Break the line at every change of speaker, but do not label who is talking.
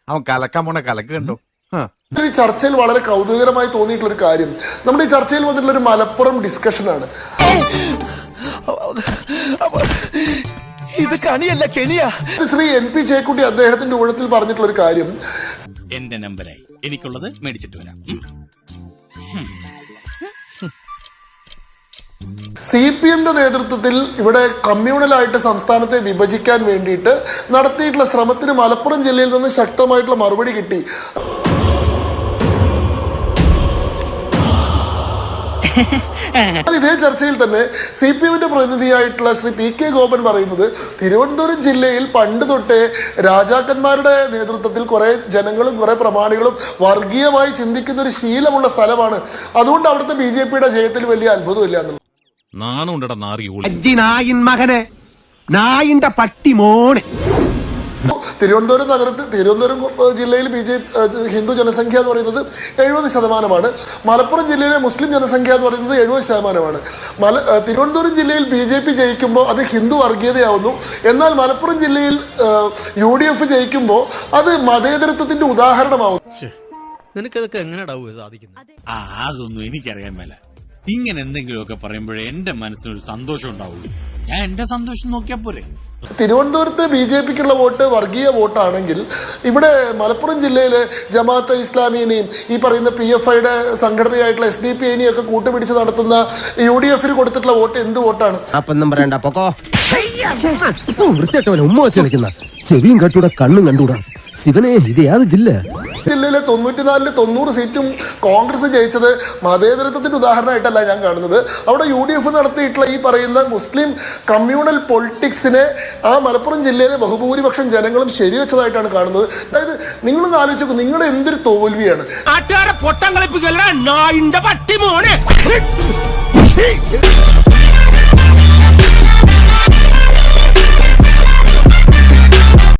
അവൻ കലക്കാൻ പോണ കലക്ക് കണ്ടോ.
ഈ ചർച്ചയിൽ വളരെ കൗതുകകരമായി തോന്നിയിട്ടുള്ള ഒരു കാര്യം, നമ്മുടെ ഈ ചർച്ചയിൽ വന്നിട്ടുള്ള ഒരു മലപ്പുറം ഡിസ്കഷനാണ്.
ഇത് കണിയല്ല കെണിയാ.
ശ്രീ NP ചേക്കുട്ടി അദ്ദേഹത്തിന്റെ ഊഴത്തിൽ പറഞ്ഞിട്ടുള്ള ഒരു കാര്യം,
എന്റെ നമ്പരായി എനിക്കുള്ളത് മേടിച്ചിട്ട് വരാം.
CPM നേതൃത്വത്തിൽ ഇവിടെ കമ്മ്യൂണലായിട്ട് സംസ്ഥാനത്തെ വിഭജിക്കാൻ വേണ്ടിയിട്ട് നടത്തിയിട്ടുള്ള ശ്രമത്തിന് മലപ്പുറം ജില്ലയിൽ നിന്ന് ശക്തമായിട്ടുള്ള മറുപടി കിട്ടി. ഇതേ ചർച്ചയിൽ തന്നെ CPM പ്രതിനിധിയായിട്ടുള്ള ശ്രീ PK ഗോപൻ പറയുന്നത്, തിരുവനന്തപുരം ജില്ലയിൽ പണ്ട് തൊട്ടേ രാജാക്കന്മാരുടെ നേതൃത്വത്തിൽ കുറെ ജനങ്ങളും കുറെ പ്രമാണികളും വർഗീയമായി ചിന്തിക്കുന്ന ഒരു ശീലമുള്ള സ്ഥലമാണ്, അതുകൊണ്ട് അവിടുത്തെ BJPയുടെ ജയത്തിൽ വലിയ അത്ഭുതമില്ല എന്നുള്ളത്. തിരുവനന്തപുരം ജില്ലയിൽ ഹിന്ദു ജനസംഖ്യ എന്ന് പറയുന്നത് 70%. മലപ്പുറം ജില്ലയിലെ മുസ്ലിം ജനസംഖ്യ എന്ന് പറയുന്നത് 70%. തിരുവനന്തപുരം ജില്ലയിൽ BJP ജയിക്കുമ്പോൾ അത് ഹിന്ദു വർഗീയതയാവുന്നു. എന്നാൽ മലപ്പുറം ജില്ലയിൽ UDF ജയിക്കുമ്പോൾ അത് മതേതരത്വത്തിന്റെ ഉദാഹരണമാവുന്നു.
നിനക്കതൊക്കെ എങ്ങനെയാ സാധിക്കുന്നത്?
അതൊന്നും എനിക്കറിയാൻ മേല. ഇങ്ങനെ എന്തെങ്കിലുമൊക്കെ പറയുമ്പോഴേ എന്റെ മനസ്സിനൊരു സന്തോഷം ഉണ്ടാവുള്ളൂ. ഞാൻ എന്റെ സന്തോഷം നോക്കിയാ പോരെ.
തിരുവനന്തപുരത്ത് BJPക്കുള്ള വോട്ട് വർഗീയ വോട്ടാണെങ്കിൽ ഇവിടെ മലപ്പുറം ജില്ലയിലെ ജമാഅത്തെ ഇസ്ലാമിയെയും ഈ പറയുന്ന PFIയുടെ സംഘടനയായിട്ടുള്ള SDPIനെയും ഒക്കെ കൂട്ടുപിടിച്ച് നടത്തുന്ന UDFന് കൊടുത്തിട്ടുള്ള വോട്ട് എന്ത് വോട്ടാണ്?
ചെവിയും കട്ടൂടെ കണ്ണും കണ്ടൂടാ. ശിവനെ ഇത് യാത് ജില്ല
ജില്ലയിലെ 94 90 സീറ്റും കോൺഗ്രസ് ജയിച്ചത് മതേതരത്വത്തിന്റെ ഉദാഹരണമായിട്ടല്ല ഞാൻ കാണുന്നത്. അവിടെ UDF നടത്തിയിട്ടുള്ള ഈ പറയുന്ന മുസ്ലിം കമ്മ്യൂണൽ പൊളിറ്റിക്സിനെ ആ മലപ്പുറം ജില്ലയിലെ ബഹുഭൂരിപക്ഷം ജനങ്ങളും ശരിവെച്ചതായിട്ടാണ് കാണുന്നത്. അതായത് നിങ്ങളൊന്ന് ആലോചിച്ച് നോക്കൂ, നിങ്ങളുടെ എന്തൊരു തോൽവിയാണ്.